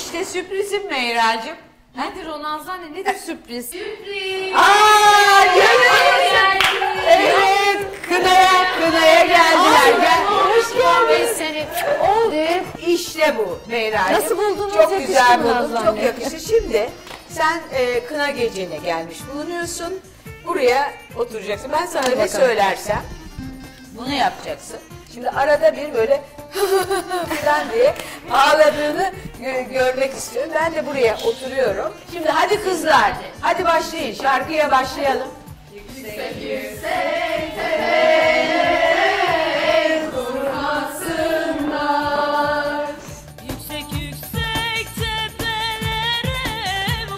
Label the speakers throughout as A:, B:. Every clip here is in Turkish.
A: İşte sürprizim Meyracığım.
B: Nedir o Nazlı, nedir sürpriz? Sürpriz!
A: Aaa görüyorsun. Evet, kınaya geldiler. Gel.
B: Hoş geldin seni.
A: İşte bu Meyracığım.
B: Nasıl buldunuz?
A: Çok
B: Yakıştı
A: güzel
B: mı
A: buldum,
B: Nazlı
A: çok
B: anne?
A: yakıştı. Şimdi sen kına gecene gelmiş bulunuyorsun. Buraya oturacaksın. Ben sana ne söylersem bunu yapacaksın. Şimdi arada bir böyle falan diye ağladığını görmek istiyorum. Ben de buraya oturuyorum. Şimdi hadi kızlar, hadi başlayın. Şarkıya başlayalım. Yüksek yüksek tepeler kurmasınlar.
C: Yüksek yüksek tepelere ev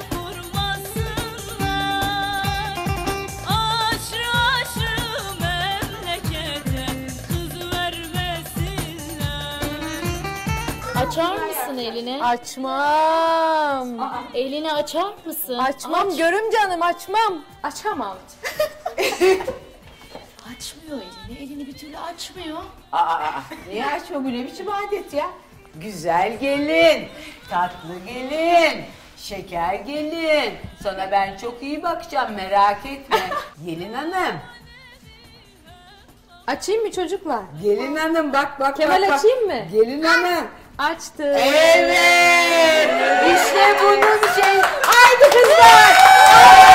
C: kurmasınlar. Aşrı aşrı memlekete kız vermesinler.
B: Açar mısın elini?
D: Açmam.
B: Elini açar mısın?
D: Açmam görüm canım, açmam.
B: Açamam. Açmıyor elini, elini bir türlü açmıyor.
A: Niye açma, bu ne biçim adet ya? Güzel gelin, tatlı gelin, şeker gelin. Sana ben çok iyi bakacağım, merak etme. Gelin hanım,
D: Açayım mı çocuklar?
A: gelin hanım bak.
D: Kemal
A: bak.
D: açayım mı?
A: Gelin hanım.
D: Açtım.
A: Evet, işte bunun şey. Haydi kızlar.